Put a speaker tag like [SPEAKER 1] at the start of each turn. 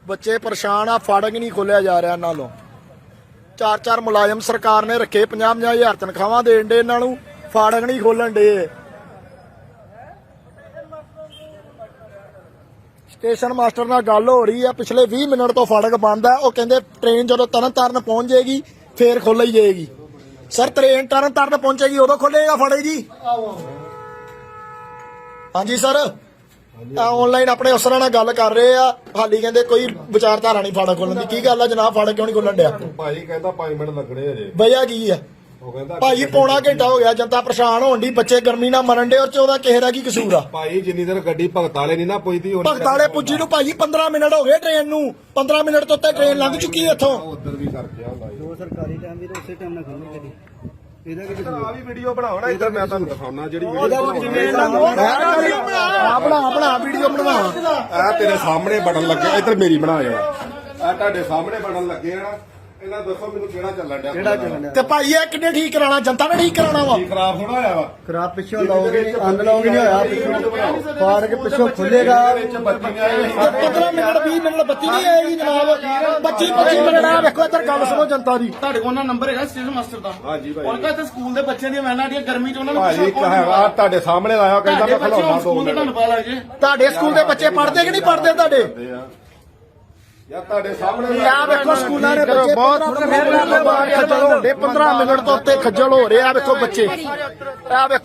[SPEAKER 1] ਬੱਚੇ ਪਰੇਸ਼ਾਨ ਆ, ਫਾਟਕ ਨਹੀਂ ਖੋਲਿਆ ਜਾ ਰਿਹਾ ਇਹਨਾਂ ਨੂੰ। 4-4 ਮੁਲਾਜ਼ਮ ਸਰਕਾਰ ਨੇ ਰੱਖੇ, 50-50 ਹਜ਼ਾਰ ਤਨਖਾਹਾਂ ਦੇਣ ਦੇ ਇਹਨਾਂ ਨੂੰ, ਫਾਟਕ ਨਹੀਂ ਖੋਲਣ ਦੇ। ਸਟੇਸ਼ਨ ਮਾਸਟਰ ਨਾਲ ਗੱਲ ਹੋ ਰਹੀ ਆ, ਪਿਛਲੇ 20 ਮਿੰਟ ਤੋਂ ਫਾਟਕ ਬੰਦ ਆ। ਉਹ ਕਹਿੰਦੇ ਟ੍ਰੇਨ ਜਦੋਂ ਤਰਨਤਾਰਨ ਪਹੁੰਚ ਜਾਏਗੀ ਫੇਰ ਖੋਲੀ ਜਾਏਗੀ। ਸਰ ਟ੍ਰੇਨ ਤਰਨਤਾਰਨ ਪਹੁੰਚੇਗੀ ਉਦੋਂ ਖੋਲੇਗਾ ਫਾਟਕ ਜੀ? ਹਾਂਜੀ ਸਰ, ਆਨਲਾਈਨ ਆਪਣੇ ਅਫਸਰਾਂ ਨਾਲ ਗੱਲ ਕਰ ਰਹੇ ਆ, ਹਾਲੀ ਕਹਿੰਦੇ ਕੋਈ ਵਿਚਾਰਧਾਰਾ ਨਹੀਂ ਫਾਟਕ ਖੋਲਣ ਦੀ। ਕੀ ਗੱਲ ਆ ਜਨਾਬ, ਫਾਟਕ ਕਿਉਂ ਨਹੀਂ ਖੋਲਣ ਡਿਆ?
[SPEAKER 2] ਭਾਈ ਕਹਿੰਦਾ 5 ਮਿੰਟ ਲੱਗਣੇ ਅਜੇ।
[SPEAKER 1] ਵਜ੍ਹਾ ਕੀ ਆ
[SPEAKER 2] ਉਹ ਕਹਿੰਦਾ
[SPEAKER 1] ਭਾਈ? ਪੌਣਾ ਘੰਟਾ ਹੋ ਗਿਆ, ਜਨਤਾ ਪਰੇਸ਼ਾਨ ਹੋਣ ਦੀ, ਬੱਚੇ ਗਰਮੀ ਨਾਲ ਮਰਨ ਡੇ, ਔਰ 14 ਕਿਸੇ ਦਾ ਕੀ ਕਸੂਰ ਆ?
[SPEAKER 2] ਭਾਈ ਜਿੰਨੀ ਦੇਰ ਗੱਡੀ ਭਗਤ ਵਾਲੇ ਨਹੀਂ ਨਾ ਪੁੱਜਦੀ
[SPEAKER 1] ਭਗਤ ਵਾਲੇ ਪੁੱਜੀ ਨੂੰ ਭਾਈ 15 ਮਿੰਟ ਹੋ ਗਏ ਟ੍ਰੇਨ ਨੂੰ। 15 ਮਿੰਟ ਤੋਂ ਉੱਤੇ ਟ੍ਰੇਨ ਲੰਘ ਚੁੱਕੀ ਹੈ ਇੱਥੋਂ।
[SPEAKER 2] ਉਧਰ ਵੀ ਕਰਕੇ ਆਉਂਦਾ
[SPEAKER 3] ਜੋ ਸਰਕਾਰੀ ਟਾਈਮ ਵੀ ਉਸੇ ਟਾਈਮ ਨਾਲ ਖੋਲਣੀ ਗੱਡੀ। ਇਹਦਾ ਕੀ
[SPEAKER 2] ਆ ਵੀ ਵੀਡੀਓ ਬਣਾਉਣਾ, ਇੱਧਰ ਮੈਂ ਤੁਹਾਨੂੰ ਦਿਖਾਉਣਾ ਜਿਹੜੀ
[SPEAKER 1] ਬਣਾ ਵੀਡੀਓ ਬਣਵਾ।
[SPEAKER 2] ਆ ਤੇਰੇ ਸਾਹਮਣੇ ਬਟਨ ਲੱਗੇ, ਇੱਧਰ ਮੇਰੀ ਬਣਾ ਜਾਣਾ। ਆ ਤੁਹਾਡੇ ਸਾਹਮਣੇ ਬਟਨ ਲੱਗੇ ਆ ਨਾ, ਇਹਨਾਂ ਦੱਸੋ ਮੈਨੂੰ ਕਿਹੜਾ ਚੱਲਣ ਡਿਆ?
[SPEAKER 3] ਕਿਹੜਾ ਚੱਲਣਾ?
[SPEAKER 1] ਤੇ ਭਾਈ ਇਹ ਕਿੰਨੇ ਠੀਕ ਕਰਾਉਣਾ? ਜਨਤਾ ਨੇ ਠੀਕ ਕਰਾਉਣਾ ਵਾ।
[SPEAKER 2] ਕੀ ਖਰਾਬ ਹੋਣਾ ਹੋਇਆ ਵਾ?
[SPEAKER 3] ਖਰਾਬ ਪਿੱਛੋਂ ਲਾਓਗੇ, ਅਨਲਾਗ ਨਹੀਂ ਹੋਇਆ, ਪਿੱਛੋਂ ਫਾੜ ਕੇ ਪਿੱਛੋਂ ਖੁੱਲੇਗਾ।
[SPEAKER 2] ਵਿੱਚ ਬੱਤੀ ਨਹੀਂ ਆਈ।
[SPEAKER 1] 15 ਮਿੰਟ 20 ਮਿੰਟ ਬੱਤੀ ਨਹੀਂ ਆਏਗੀ ਜਨਾਬ। 25 ਮਿੰਟ ਆ ਵੇਖੋ, ਇੱਧਰ ਗੱਲ ਸੁਣੋ ਜਨਤਾ ਦੀ।
[SPEAKER 4] ਤੁਹਾਡੇ ਕੋਲ ਨਾ ਨੰਬਰ ਹੈਗਾ ਸਟੇਸ਼ਨ ਮਾਸਟਰ ਦਾ?
[SPEAKER 2] ਹਾਂਜੀ ਭਾਈ।
[SPEAKER 4] ਉਹਨਾਂ ਦਾ ਸਕੂਲ ਦੇ ਬੱਚਿਆਂ ਦੀਆਂ ਵੈਨਾਂ ਦੀਆਂ ਗਰਮੀ ਚ ਉਹਨਾਂ ਨੂੰ
[SPEAKER 2] ਭਾਜੀ ਹੈਗਾ ਤੁਹਾਡੇ ਸਾਹਮਣੇ ਲਾਇਆ, ਕਹਿੰਦਾ ਮੈਂ ਖਲਾਉਣਾ 2
[SPEAKER 4] ਸਕੂਲ ਦੇ
[SPEAKER 2] ਮਿੰਟ।
[SPEAKER 4] ਤੁਹਾਨੂੰ ਪਤਾ ਲੱਗ ਜੇ।
[SPEAKER 1] ਤੁਹਾਡੇ ਸਕੂਲ ਦੇ ਬੱਚੇ ਪੜ੍ਹਦੇ ਕਿ ਨਹੀਂ ਪੜ੍ਹਦੇ ਤੁਹਾਡੇ?
[SPEAKER 2] ਯਾ ਤੁਹਾਡੇ ਸਾਹਮਣੇ
[SPEAKER 1] ਆ ਵੇਖੋ ਸਕੂਲਾਂ ਦੇ ਬੱਚੇ 15 ਮਿੰਟ ਤੋਂ ਉੱਤੇ ਖੱਜਲ ਹੋ ਰਹੇ ਆ। ਵੇਖੋ ਬੱਚੇ, ਆ ਵੇਖੋ